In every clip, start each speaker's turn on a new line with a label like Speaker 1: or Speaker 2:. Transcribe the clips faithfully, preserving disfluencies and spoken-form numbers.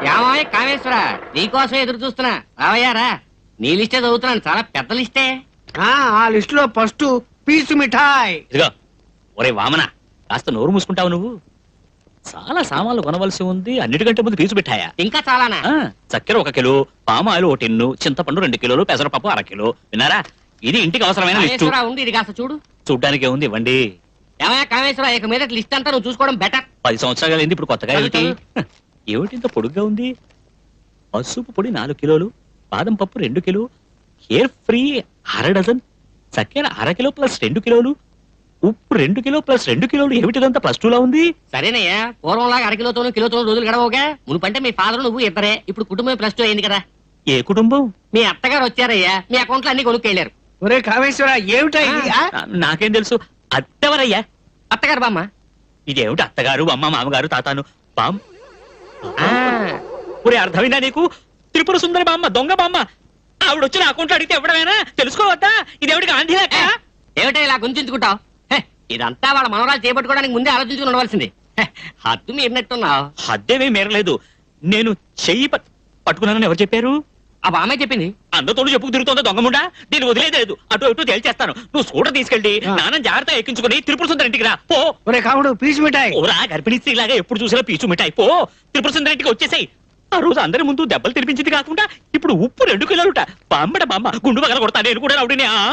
Speaker 1: ఏమాయ్ కామేశ్వర, నీకోసం ఎదురు చూస్తున్నా. రావయ్యారా, నీ లిస్టే చదువుతున్నాను, చాలా పెద్ద లిస్టే.
Speaker 2: ఆ లిస్ట్ లో ఫస్ట్ పీసు మిఠాయి.
Speaker 3: ఇదిగో ఒరే వామన, కాస్త నోరు మూసుకుంటావు నువ్వు. చాలా సామాన్లు కొనవలసి ఉంది, అన్నిటికంటే ముందు పీచు మిఠాయా?
Speaker 1: ఇంకా చాలానా?
Speaker 3: ఆ, చక్కెర ఒక కిలో, పామాయిల్ ఒక టిన్ను, చింతపండు రెండు కిలోలు, పెసరపప్పు అర కిలో. విన్నారా? ఇది ఇంటికి అవసరమైన లిస్టు.
Speaker 1: కామేశ్వర ఉండి ఇది కాస్త చూడు.
Speaker 3: చూడ్డానికి ఏముంది, ఇవ్వండి.
Speaker 1: ఏమయ్యా కామేశ్వర, ఇక మీద లిస్ట్ అంతా నువ్వు చూసుకోవడం బెటర్.
Speaker 3: పది సంవత్సరాలు అయింది, ఇప్పుడు కొత్తగా ఏమిటి? ఏమిటి ఇంత పొడుగ్గా ఉంది? పసుపు పొడి నాలుగు కిలోలు, బాదం పప్పు రెండు కిలో, హెయిర్ ఫ్రీ అర డజన్, చక్కెర అర కిలో ప్లస్ రెండు కిలోలు, ఉప్పు రెండు కిలో ప్లస్ రెండు కిలోలు. ఏమిటిదంతా ప్లస్ టూ లా ఉంది?
Speaker 1: సరేనయ్యా, పూర్వంలాగా అరకిలోతోనూ కిలోతోనూ రోజులు గడవగా. మునుపంటే మీ ఫాదర్ నువ్వు ఇద్దరే, ఇప్పుడు కుటుంబం ప్లస్ టూ అయింది కదా.
Speaker 3: ఏ కుటుంబం?
Speaker 1: మీ అత్తగారు వచ్చారయ్యా, మీ అకౌంట్ లో అన్ని కొనుక్కెళ్ళారు.
Speaker 2: ఒరే కామేశ్వర, ఏమిటా ఇది? ఆ?
Speaker 3: నా- నాకేం తెలుసు. అత్తెవరయ్యా?
Speaker 1: అత్తగారు బామ్మ.
Speaker 3: ఇదేమిటి అత్తగారు అమ్మ మామగారు తాతాను బామ్?
Speaker 1: ఆ,
Speaker 3: ఒరే అర్థమైందా నీకు? త్రిపుర సుందరి బామ్మ, దొంగ బామ్మ. ఆవిడ వచ్చి నా అకౌంట్ అడిగితే ఇవ్వడమేనా? తెలుసుకోవద్దా? ఇదేమిటి గాంధీ లెక్క?
Speaker 1: ఏమిటో ఇలా గుంజుకుంటావు? ఇదంతా వాళ్ళ మనవరాలు చేపట్టుకోవడానికి ముందే ఆలోచించుకుని ఉండవలసింది. హె, హద్దు మీరినట్టున్నావు.
Speaker 3: హద్దేమీ మేరలేదు. నేను చెయ్యి పట్- పట్టుకున్నానని ఎవరు చెప్పారు?
Speaker 1: ఆ బామ్మే చెప్పింది.
Speaker 3: అందతోడు చెప్పుకు తిరుగుతుందో దొంగముండా? నేను వదిలేదు. అటు ఇటు తేల్చేస్తాను. నువ్వు స్కూటర్ తీసుకెళ్ళి నాన్న జాగ్రత్త ఎక్కించుకుని త్రిపుర సుందరి ఇంటికి రా పో.
Speaker 2: ఒరే కాముడు, పీసు మిఠాయి.
Speaker 3: ఓరా గర్భిణీ స్త్రీలాగా ఎప్పుడు చూసినా పీచు మిఠాయి పో. త్రిపుర సుందరి ఇంటికి వచ్చేసాయి. ఆ రోజు అందరి ముందు దెబ్బలు తినిపించింది కాకుండా ఇప్పుడు ఉప్పు రెండు కిలోలుట. బామ్మడ బామ్మ, గుండు పగల కొడతా. నేను కూడా రౌడీనే. ఆ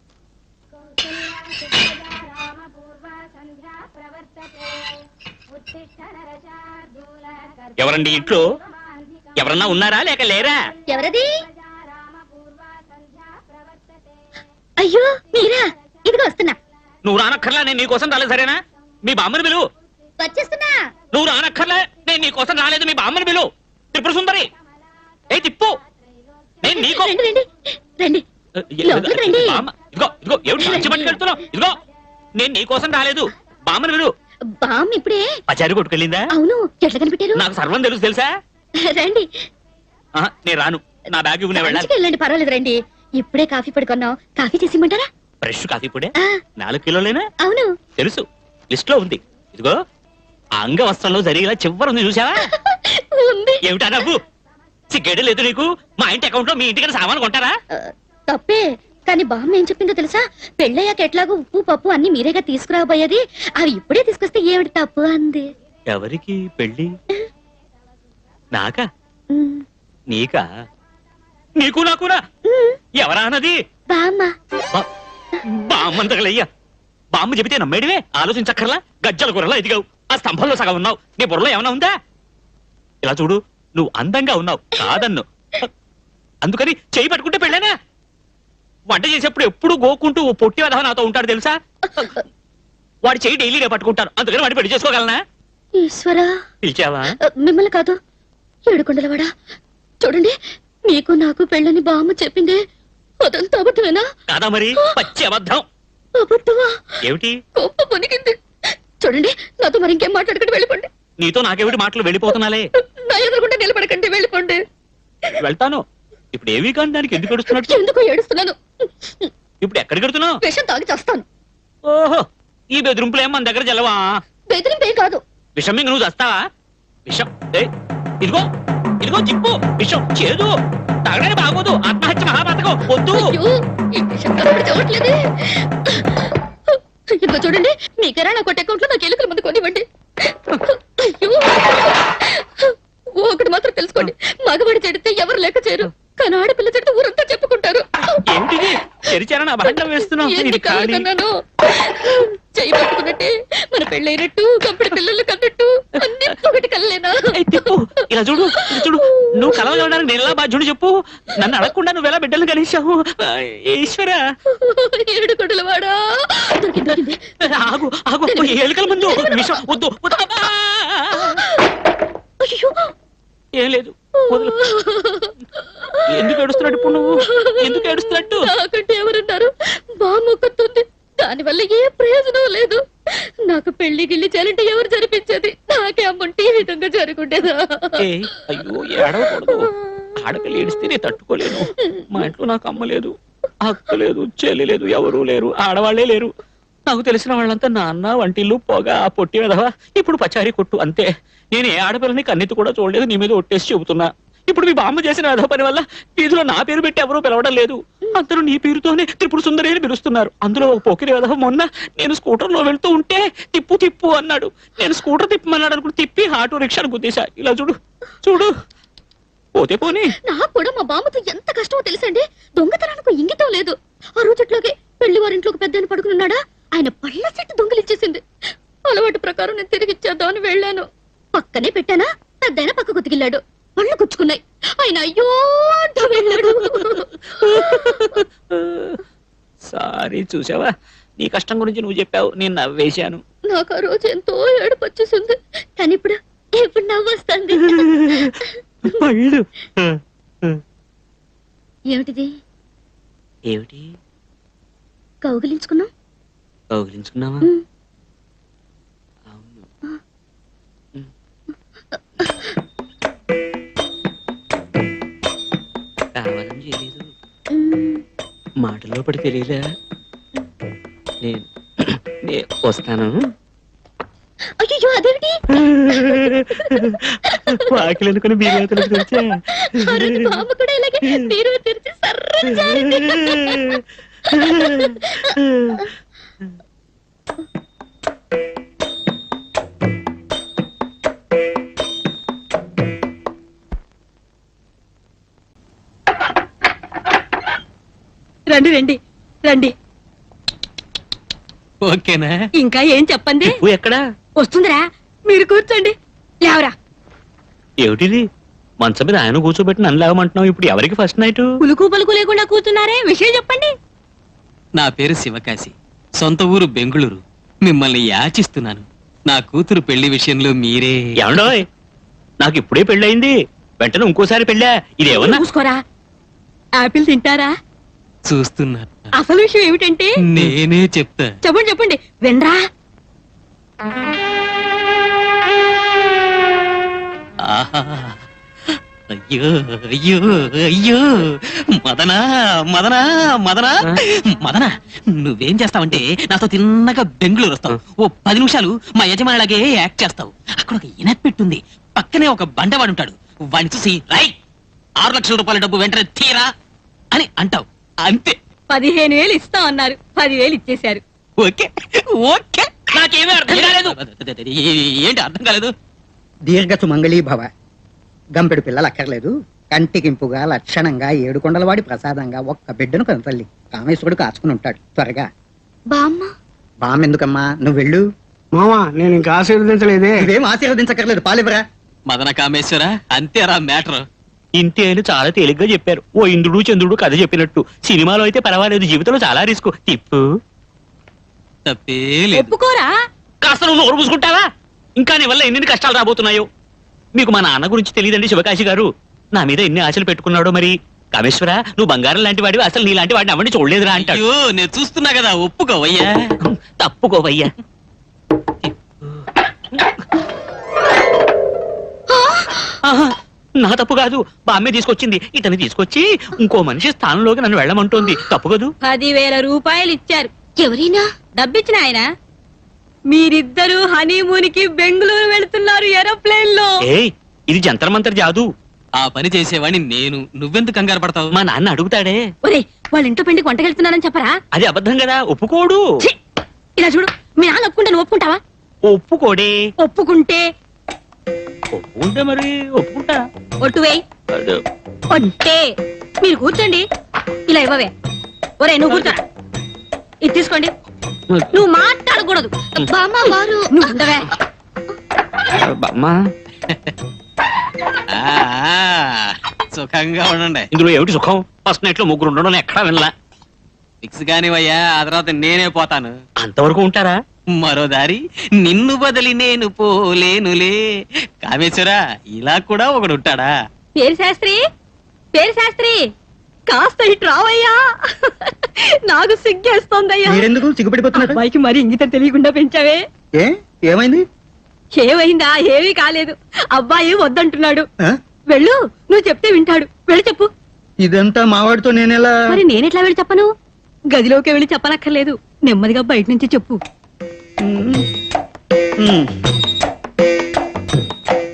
Speaker 3: ఎవరండి ఇంట్లో? ఎవరన్నా ఉన్నారా లేక లేరా?
Speaker 4: ఎవరది? అయ్యో మీరా, ఇదిగో వస్తున్నా.
Speaker 3: నువ్వు రానక్కర్లా, నేను నీకోసం రాలేదు. సరేనా? మీ బామ్మని పిలువు.
Speaker 4: వచ్చేస్తున్నా.
Speaker 3: నువ్వు రానక్కర్లే, నేను నీకోసం రాలేదు. మీ బామ్మని పిలువు. త్రిపుర సుందరి, ఏ తిప్పు. నేను నీకో
Speaker 4: రండి రండి రండి లోపలికి రండి.
Speaker 3: బామ్మ, ఇదిగో ఇదిగో ఏమిటి మంచి పట్టుకెళ్తున్నావు? ఇదిగో నేను నీకోసం రాలేదు. బామ్మని పిలువు.
Speaker 4: బామ్ ఇప్పుడే.
Speaker 3: పచారి కొట్టుకెళ్ళిందా?
Speaker 4: అవును, ఎట్లా కనిపెట్టారు?
Speaker 3: నాకు సర్వం తెలుసు తెలుసా?
Speaker 4: రండి.
Speaker 3: ఆహా, నేను రాను. నా బ్యాగ్ ఇవ్వు, నేను వెళ్ళాలి.
Speaker 4: మంచిగా వెళ్ళండి, పర్వాలేదు రండి. ఇప్పుడే కాఫీ పడుకున్నాం, కాఫీ చేసి ఇమ్మంటారా?
Speaker 3: ఫ్రెష్ కాఫీ పొడే
Speaker 4: ఆ,
Speaker 3: నాలుగు కిలోలేనా?
Speaker 4: అవును.
Speaker 3: తెలుసు, లిస్ట్ లో ఉంది. ఇదిగో ఆ అంగవస్త్రంలో జరిగేలా చివరి ఉంది, చూసావా?
Speaker 4: ఉంది.
Speaker 3: ఏమిటా నవ్వు? సిగ్గేడే లేదు నీకు? మా ఇంటి అకౌంట్ లో మీ ఇంటికి సామాను కొంటారా?
Speaker 4: ఆ, తప్పే. కానీ బామ్మ ఏం చెప్పిందో తెలుసా? పెళ్ళయ్యాక ఎట్లాగో ఉప్పు పప్పు అన్ని మీరేగా తీసుకురాబోయేది, అవి ఇప్పుడే తీసుకొస్తే ఏమిటి తప్పు అంది.
Speaker 3: ఎవరికి పెళ్ళి? నాకా?
Speaker 4: ఉమ్,
Speaker 3: నీకా? నీకు నాకునా?
Speaker 4: ఉమ్,
Speaker 3: ఎవరా అన్నది?
Speaker 4: బామ్మ.
Speaker 3: బా- బామ్మంతగలయ్యా. బామ్మ చెబితే నమ్మేడివే? ఆలోచించక్కర్లా. గజ్జల కూరలా ఎదిగావు. ఆ స్తంభంలో సగం ఉన్నావు. నీ బుర్రలో ఏమైనా ఉందా? ఇలా చూడు, నువ్వు అందంగా ఉన్నావు కాదన్ను. అందుకని చేయి పట్టుకుంటే పెళ్ళేనా? వంట చేసేప్పుడు ఎప్పుడు గోకుంటూ ఓ పొట్టి వదవ నాతో ఉంటాడు తెలుసా? వాడి చేయి డైలీ నేను పట్టుకుంటాను. అందుకని వాడిని పెళ్లి చేసుకోగలనా?
Speaker 4: ఈశ్వరా,
Speaker 3: పిలిచావా?
Speaker 4: ఆ, మిమ్మల్ని కాదు, ఏడుకొండలవాడా. చూడండి, మీకు నాకు పెళ్ళని బామ్మ చెప్పింది, అదంతా అబద్ధమేనా?
Speaker 3: కాదా మరి? పచ్చి అబద్ధం.
Speaker 4: అబద్ధమా?
Speaker 3: ఏమిటి?
Speaker 4: గొప్ప పొనికింది. చూడండి, నాతో మరి ఇంకేం మాట్లాడకండి, వెళ్ళిపోండి.
Speaker 3: నీతో నాకేమిటి మాటలు? వెళ్ళిపోతున్నాలే.
Speaker 4: నా ఎదురుకుంటే నిలబడకండి, వెళ్ళిపోండి.
Speaker 3: వెళ్తాను. ఇప్పుడు ఏవి కానీ దానికి ఎందుకు ఏడుస్తున్నట్టు?
Speaker 4: ఎందుకో ఏడుస్తున్నాను.
Speaker 3: ఇప్పుడు ఎక్కడికి వెడుతున్నావు?
Speaker 4: విషం తాగి చేస్తాను.
Speaker 3: ఓహో, ఈ బెదిరింపులు ఏం మన దగ్గర జలవా?
Speaker 4: బెదిరింపేం కాదు.
Speaker 3: విషం ఇంక నువ్వు చస్తావా? విషం ఏ ఇదిగో ఇదిగో జిప్పు. విషం చేదు, తాగడానికి బాగోదు. ఆత్మహత్య మహాపాతకం. వద్దు.
Speaker 4: అయ్యో, ఈ విషం కనబడి చూడట్లేదే. ఇదిగో చూడండి, మీ కిరాణా కొట్టే అకౌంట్ లో నాకు ఎలుకల మందు కొనివ్వండి. అయ్యో, ఒకటి మాత్రం తెలుసుకోండి, మగవాడి చెడితే ఎవరు లెక్క చేయరు, కానీ ఆడపిల్ల చెడితే ఊరంతా చెప్పుకుంటారు.
Speaker 3: ఏమిటిది? తెరిచారా నా భాండం వేస్తున్నావు?
Speaker 4: ఎన్ని
Speaker 3: ఇది
Speaker 4: కళ్ళు
Speaker 3: ఖాళీ.
Speaker 4: కన్నాను. చెయ్యి పట్టుకున్నట్టే మన పెళ్ళైనట్టు, కంపెడి పిల్లలు కన్నట్టు అన్ని ఒకటి కల్లేనా?
Speaker 3: ఏయ్, తిప్పు. ఇలా చూడు, ఇలా చూడు. నువ్వు కలవడానికి నేను ఎలా బాధ్యుడు చెప్పు? నన్ను అడగకుండా నువ్వు ఎలా బిడ్డలు కలిసావు? ఈశ్వరా,
Speaker 4: ఏడు కొడుల వాడా. దొరికింది, దొరికింది.
Speaker 3: ఆగు ఆగు. ఎలుకల ముందు విషం వద్దు. వద్దు. అబ్బా!
Speaker 4: అయ్యో,
Speaker 3: ఏం లేదు, వదులు. ఎందుకు ఏడుస్తున్నట్టు ఇప్పుడు నువ్వు? ఎందుకు ఏడుస్తున్నట్టు?
Speaker 4: నాకంటే ఎవరున్నారు? బామ్మొక్కతుంది, దానివల్ల ఏ ప్రయోజనం లేదు. నాకు పెళ్లి గిల్లి చేయాలంటే ఎవరు జరిపించేది? నాకే అమ్ముంటే ఈ విధంగా జరుగుండేదా?
Speaker 3: ఏయ్, అయ్యో ఏడవకూడదు. ఆడపిల్ల ఏడిస్తే నేను తట్టుకోలేను. మా ఇంట్లో నాకు అమ్మ లేదు, అక్క లేదు, చెల్లి లేదు, ఎవరూ లేరు, ఆడవాళ్లే లేరు. నాకు తెలిసిన వాళ్ళంతా నాన్న, వంటిల్లు, పొగ, ఆ పొట్టి వెధవ, ఇప్పుడు పచారీ కొట్టు, అంతే. నేను ఏ ఆడపిల్లని కన్నెత్తి కూడా చూడలేదు, నీ మీద ఒట్టేసి చెబుతున్నా. ఇప్పుడు మీ బామ్మ చేసిన అదో పని వల్ల వీధిలో నా పేరు పెట్టి ఎవరూ పిలవడం లేదు. అందరూ నీ పేరుతోనే త్రిపుర సుందరి అని పిలుస్తున్నారు. అందులో ఒక పోకిరి విధవ మొన్న నేను స్కూటర్ లో వెళ్తూ ఉంటే తిప్పు తిప్పు అన్నాడు. నేను స్కూటర్ తిప్పమన్నాడు అనుకుని తిప్పి ఆటో రిక్షాను గుద్దేశా. ఇలా చూడు చూడు, పోతే పోనీ.
Speaker 4: నాకు కూడా మా బామ్మతో ఎంత కష్టమో తెలుసండి. దొంగతనానికి ఇంగితం లేదు. ఆ రోజుట్లోకి పెళ్లి వారింట్లోకి పెద్ద పడుకున్నాడా, ఆయన పళ్ళ చెట్టు దొంగిలిచ్చేసింది. అలవాటు ప్రకారం నేను తిరిగి ఇచ్చేద్దామని వెళ్ళాను. పక్కనే పెట్టానా, పెద్దయిన పక్క కుతికిల్లాడు. పళ్ళు గుచ్చుకున్నాయి. ఆయన అయ్యో అంటూ వెళ్ళాడు.
Speaker 3: సారీ, చూసావా, నీ కష్టం గురించి నువ్వు చెప్పావు, నేను నవ్వేశాను.
Speaker 4: నాకు ఆ రోజు ఎంతో ఏడుపు వచ్చేసింది. కానీ ఇప్పుడు ఇప్పుడు నవ్వొస్తుంది.
Speaker 3: పళ్ళు
Speaker 4: ఏమిటిది?
Speaker 1: ఏమిటి?
Speaker 4: కౌగిలించుకున్నాం.
Speaker 1: కౌగిలించుకున్నావా?
Speaker 4: ఉమ్.
Speaker 1: అవును. ఉమ్. కావాలని చేయలేదు,
Speaker 4: ఉమ్.
Speaker 1: మాటల్లో పడి తెలియలే. నేను నే- వస్తాను.
Speaker 4: అయ్యో అదేమిటి?
Speaker 3: వాకిలు అనుకుని బీరువాతలకు తెరిచా.
Speaker 4: ఆ రోజు బామ్మ కూడా ఇలాగే బీరువా తెరిచి సర్రని జారింది.
Speaker 5: రండి రండి రండి.
Speaker 3: ఓకేనా?
Speaker 5: ఇంకా ఏం చెప్పండి.
Speaker 3: నువ్వు ఎక్కడా?
Speaker 5: వస్తుందిరా, మీరు కూర్చోండి. లేవరా.
Speaker 3: ఏమిటిది? మంచం మీద ఆయన కూర్చోబెట్టి నన్ను లేవమంటున్నావు. ఇప్పుడు ఎవరికి ఫస్ట్ నైట్?
Speaker 5: పులుకు పలుకు లేకుండా కూర్చున్నారే, విషయం చెప్పండి.
Speaker 6: నా పేరు శివకాశి, సొంత ఊరు బెంగుళూరు. మిమ్మల్ని యాచిస్తున్నాను. నా కూతురు పెళ్లి విషయంలో మీరే.
Speaker 3: ఏమండోయ్, నాకు ఇప్పుడే పెళ్ళయింది, వెంటనే ఇంకోసారి పెళ్ళా? ఇదేమన్నా?
Speaker 5: చూసుకోరా. ఆపిల్ తింటారా?
Speaker 6: చూస్తున్నా.
Speaker 5: అసలు విషయం ఏమిటంటే
Speaker 6: నేనే చెప్తా.
Speaker 5: చెప్పండి చెప్పండి, వినరా.
Speaker 6: ఆహా, అయ్యో అయ్యో అయ్యో, మదనా మదనా మదనా మదనా, నువ్వేం చేస్తావంటే నాతో తిన్నగా బెంగళూరు వస్తావు. ఓ పది నిమిషాలు మా యజమానిలాగే యాక్ట్ చేస్తావు. అక్కడ ఒక ఇనపెట్టుంది, పక్కనే ఒక బండవాడు ఉంటాడు. వాడిని చూసి రై ఆరు లక్షల రూపాయల డబ్బు వెంటనే తీరా అని అంటావు. అంతే.
Speaker 5: పదిహేను వేలు ఇస్తాం అన్నారు, పదివేలు ఇచ్చేశారు.
Speaker 6: Okay okay. నాకేమీ అర్థం కాలేదు. ఏంటి అర్థం కాలేదు?
Speaker 2: దీర్ఘ సుమంగళీ భవ. గంపెడు పిల్లలు అక్కర్లేదు, కంటికింపుగా లక్షణంగా ఏడుకొండలవాడి ప్రసాదంగా ఒక్క బిడ్డను కనతల్లి కామేశ్వరుడు కాచుకుని ఉంటాడు. త్వరగా.
Speaker 4: బామ్మ
Speaker 2: బామెందుకమ్మా, నువ్వు వెళ్ళు.
Speaker 7: మామా నేను ఇంకా ఆశీర్వదించలేదే.
Speaker 2: నువ్వేం ఆశీర్వదించక్కర్లేదు, పాలివరా.
Speaker 6: మదన కామేశ్వర, అంతేరా మ్యాటర్.
Speaker 3: ఇంతే అని చాలా తేలిగ్గా చెప్పారు. ఓ ఇంద్రుడు చంద్రుడు కథ చెప్పినట్టు. సినిమాలో అయితే పర్వాలేదు, జీవితంలో చాలా రిస్క్. తిప్పు.
Speaker 6: తప్పే లేదు.
Speaker 5: ఒప్పుకోరా.
Speaker 3: కాస్త నువ్వు నోరు పూసుకుంటావా? ఇంకా నీ వల్ల ఎన్ని కష్టాలు రాబోతున్నాయో. మీకు మా నాన్న గురించి తెలియదండి శివకాశి గారు. నా మీద ఎన్ని ఆశలు పెట్టుకున్నాడో మరి. కామేశ్వర, నువ్వు బంగారం లాంటి వాడివి, అసలు నీ లాంటి వాడిని అవన్నీ చూడలేదురా అంటాడు.
Speaker 6: అయ్యో, నేను చూస్తున్నా కదా, ఒప్పుకోవయ్యా.
Speaker 3: తప్పుకోవయ్యా. ఆహా, నా తప్పు కాదు, బామ్మే తీసుకొచ్చింది. ఇతను తీసుకొచ్చి ఇంకో మనిషి స్థానంలోకి నన్ను వెళ్ళమంటోంది. తప్పు కదూ?
Speaker 5: పదివేల రూపాయలు ఇచ్చారు.
Speaker 4: ఎవరైనా
Speaker 5: డబ్బిచ్చిన ఆయన. మీరిద్దరూ హనీమూన్ కి బెంగళూరు వెళ్తున్నారు ఏరోప్లేన్ లో.
Speaker 3: ఏయ్, ఇది జంతర్ మంతర్ జాదు.
Speaker 6: ఆ పని చేసేవాడిని నేను. నువ్వెందుకు కంగారు పడతావు?
Speaker 3: మా నాన్న అడుగుతాడే.
Speaker 5: ఒరే, వాళ్ళ ఇంట్లో పెండికి వంటకెళ్తున్నానని చెప్పరా.
Speaker 3: అది అబద్ధం కదా, ఒప్పుకోడు.
Speaker 5: ఛీ! ఇలా చూడు, మీ నాన్న ఒప్పుకుంటే నువ్వు ఒప్పుకుంటావా?
Speaker 3: ఒప్పుకోడే.
Speaker 5: ఒప్పుకుంటే
Speaker 3: ఒప్పుకుంటే మరి ఒప్పుకుంటా.
Speaker 5: ఒట్టు వేయి.
Speaker 3: అదే.
Speaker 5: ఒట్టే. మీరు కూర్చోండి. ఇలా ఇవ్వవే. ఒరే, నువ్వు కూర్చోరా. ఇది తీసుకోండి. నువ్వు మాట్లాడకూడదు.
Speaker 4: బామ్మ వారు
Speaker 5: నువ్వు ఉండవే.
Speaker 3: బామ్మా,
Speaker 6: ఆ, ఆ, సుఖంగా ఉండండి.
Speaker 3: ఇందులో ఏమిటి సుఖం? ఫస్ట్ నైట్ లో ముగ్గురు ఉండడం ఎక్కడా వినలా.
Speaker 6: ఫిక్స్ కానివయ్యా, ఆ తర్వాత నేనే పోతాను.
Speaker 3: అంతవరకు ఉంటారా?
Speaker 6: మరో దారి నిన్ను బదిలి నేను పోలేనులే. కామేశ్వరా, ఇలా కూడా ఒకడు ఉంటాడా?
Speaker 5: పేరు శాస్త్రి, పేరు శాస్త్రి, కాస్త ఇటు రావయ్యా. నాకు సిగ్గేస్తోందయ్యా.
Speaker 2: మీరెందుకు సిగ్గుపడిపోతున్నారు?
Speaker 5: అబ్బాయికి మరి ఇంగితం తెలియకుండా పెంచావే.
Speaker 2: ఏ ఏమైంది?
Speaker 5: ఏమైందా? ఏమీ కాలేదు. అబ్బాయి వద్దంటున్నాడు.
Speaker 2: ఆ?
Speaker 5: వెళ్ళు, నువ్వు చెప్తే వింటాడు. వెళ్ళి చెప్పు.
Speaker 2: ఇదంతా మావాడితో నేనెలా?
Speaker 5: మరి నేనెట్లా వెళ్ళి చెప్పను? గదిలోకి వెళ్ళి చెప్పనక్కర్లేదు, నెమ్మదిగా బయట నుంచి చెప్పు.
Speaker 2: ఉమ్.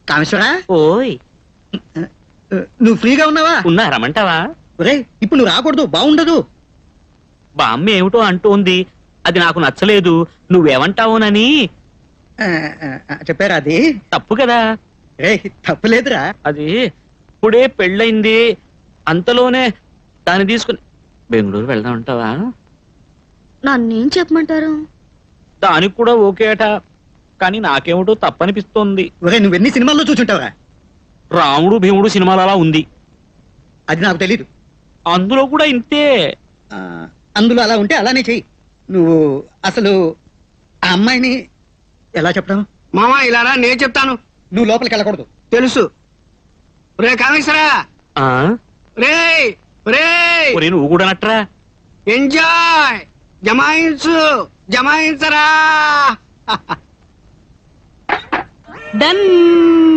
Speaker 2: కామేశ్వరా
Speaker 3: ఓయ్
Speaker 2: నువ్వు ఫ్రీగా ఉన్నావా?
Speaker 3: ఉన్నా రమ్మంటావా?
Speaker 2: ఒరేయ్ ఇప్పుడు నువ్వు రాకూడదు, బాగుండదు.
Speaker 3: బామ్మ ఏమిటో అంటోంది, అది నాకు నచ్చలేదు. నువ్వేమంటావునని.
Speaker 2: ఆ, ఆ, ఆ, చెప్పారా అది?
Speaker 3: తప్పు కదా.
Speaker 2: రే తప్పులేదురా.
Speaker 3: అది ఇప్పుడే పెళ్ళయింది, అంతలోనే దాన్ని తీసుకుని బెంగళూరు వెళ్దాం అంటావా?
Speaker 4: నన్నేం చెప్పమంటారు?
Speaker 3: దానికి కూడా ఓకే అట, కానీ నాకేమిటో తప్పనిపిస్తోంది.
Speaker 2: ఒరే నువ్వెన్ని సినిమాల్లో చూసుంటావురా?
Speaker 3: రాముడు భీముడు సినిమాలు అలా ఉంది,
Speaker 2: అది నాకు తెలీదు.
Speaker 3: అందులో కూడా ఇంతే.
Speaker 2: ఆ, అందులో అలా ఉంటే అలానే చెయ్యి. నువ్వు అసలు ఆ అమ్మాయిని ఎలా చెప్పడం?
Speaker 7: మామా ఇలా రా, నేను చెప్తాను.
Speaker 2: నువ్వు లోపలికి వెళ్ళకూడదు.
Speaker 7: తెలుసు. రే కామేశ్వరా,
Speaker 3: ఆ
Speaker 7: రే రే
Speaker 3: ఒరే నువ్వు కూడా నట్రా.
Speaker 7: ఎంజాయ్, జమాయించు, జమాయించరా.
Speaker 5: డన్